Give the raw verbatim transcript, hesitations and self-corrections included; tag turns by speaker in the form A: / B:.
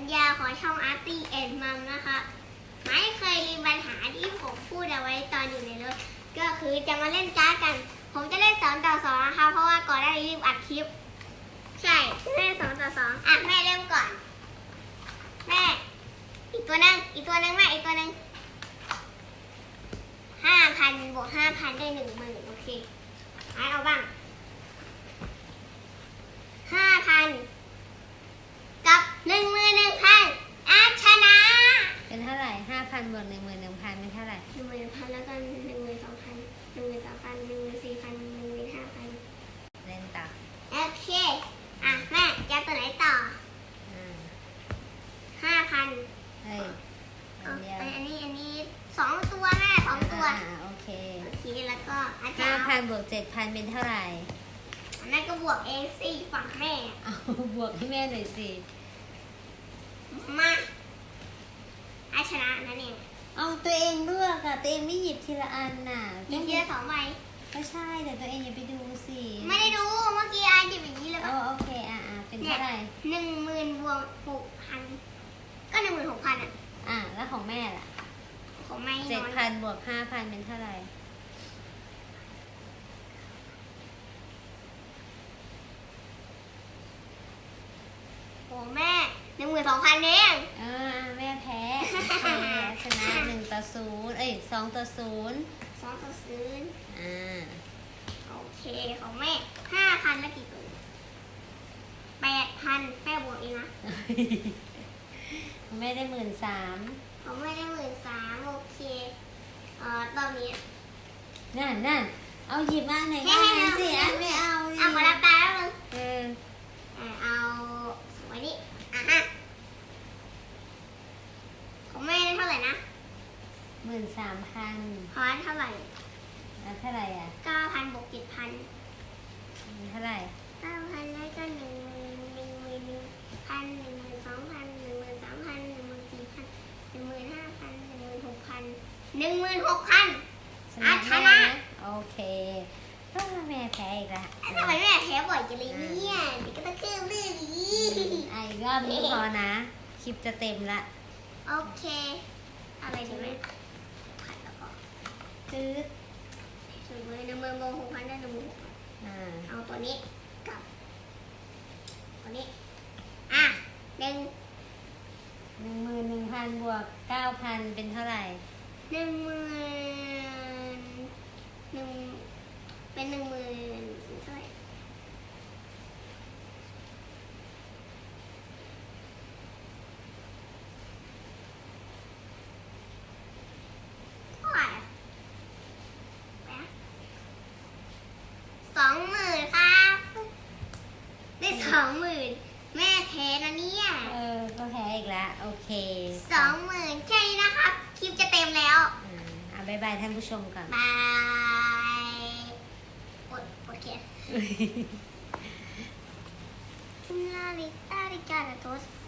A: ญาของช่องอาร์ตี้แอนด์มัมนะคะไม่เคยมีปัญหาที่ผมพูดเอาไว้ตอนอยู่ในรถก็คือจะมาเล่นการ์ดกันผมจะเล่นสองต่อสองนะคะเพราะว่าก่อนหน้านี้รีบอัดคลิปใช่เล่นสองต่อสองอ่ะแม่เริ่มก่อนแม่อีกตัวนึงอีกตัวนึงแม่อีกตัวนึงห้าพันบวกห้าพันได้หนึ่งหมื่นโอเคให้เอาบ้างห้าพันกับหนึ่งหมื่นหนึ่งพันอาชนะ
B: เป็นเท่าไหร่ห้าพันบวกหนึ่งหมื่นหนึ่งพันเป็นเท่าไหร่
A: หนึ่งหมื่นหนึ่งพันแล้วก็หนึ่งหมื่นสองพันหนึ่งหมื่นสามพันหนึ่งหมื่นสี่พันหนึ่งหมื่นห้าพัน
B: เล่นต่อ
A: โอเคอ่ะแม่จะตัวไหนต่อห้าพัน
B: เฮ้ยอันเดียว
A: อันนี้อันนี้สองตัวแม่สองตัว
B: โอเค
A: โอเคแล้วก็อาจารย์
B: ห้าพันบวกเจ็ดพันเป็นเท่าไหร่
A: อันนั้นก็บวกเองสิฝั่งแม่
B: เอาบวกให้แม่หน่อยสิ
A: มาอาชนะนั่นเอง
B: เอาตัวเองเลือกอะตัวเองไม่หยิบทีละอันน่ะ
A: หยิบทีละสองใบ
B: ก็ใช่แต่ตัวเองอย่าไปดูสิ
A: ไม่ได้ดูเมื่อกี้อาหยิบอย่างนี้เลย
B: อ๋อโอเคอ่ะอ่ะเป็นเท่าไหร่
A: หนึ่งหมื่นบวกหกพันก็หนึ่งหมื่นหกพันอ่ะ
B: อ่ะแล้วของแม่ล่ะ
A: ของแม่
B: เจ็ดพันบวกห้าพันเป็นเท่าไหร่
A: โอ้แม่หนึ่งหมื่นสองพันเอง
B: อ่าแม่แพ้แพ้ชนะหนึ่งต่อศูนย์เอ้ยสองต่อศูนย์
A: สองต่อศูนย์
B: อ่า
A: โอเคของแม่ห้าพันแล้วกี่ตัวแปดพันแม่บวกเองนะ
B: ของแม่ได้หมื่นสาม
A: ของแม่ได้หมื่นสามโอเคเอ่อตอนนี้
B: นั่นนั่นเอาหยิบมาไหนก็ได้สิอันไม่เอา
A: เอาขอรับตาแล้วมึง
B: เออ
A: เอาไว้นี่อ่ะฮะของแม่ได้เท่าไหร่นะ
B: หมื่นสามพัน
A: พอเท่าไหร่
B: อ่ะเท่าไหร่อ่ะ
A: เก้าพันบวกเจ็ดพัน
B: เท่าไหร่
A: เก้าพันแล้วก็หนึ่งหมื่นหนึ่งหมื่นหนึ่งพันหนึ่งหมื่นสองพันหนึ่งหมื่นสามพันหนึ่งหมื่นสี่พันหนึ่งหมื่นห้าพันหนึ่งหมื่นหกพันหนึ่งหมื่นหกพันอ่ะชนะ
B: โอเคก็แม่แพ้อีกแล้ว
A: ทำไมแม่แพ้บ่อยจังเลยเนี่ยเด็กก็ต้องเพิ่มเรื่องนี้
B: ไอ้รอบนี้พอนะคลิปจะเต็มละ
A: โอเคอะไรดีไหมผัดแล้วก็
B: จืด
A: หนึ่งหมื่นหนึ่งหมื่นโมหกพันได้หนึ่งหมื่นหกพันเอาตัวนี้กับตัวนี้อ่ะหนึ่ง
B: หนึ่งหมื่นหนึ่งพันบวกเก้าพันเป็นเท่าไหร่
A: หนึ่งหมื่นหนึ่งเป็นหนึ่งหมื่นเท่าไหร่เท่าไหร่สองหมื่นครับได้สองหมื่นแม่แพ้นะเนี่ย
B: เออก็แพ้อีกแล้วโอเค
A: สองหมื่นแค่นี้นะครับคลิปจะเต็มแล้ว
B: อ่าบ๊ายบายท่านผู้ชมก่อน
A: บายกดกดเขียนลาลิตาลิกาโตส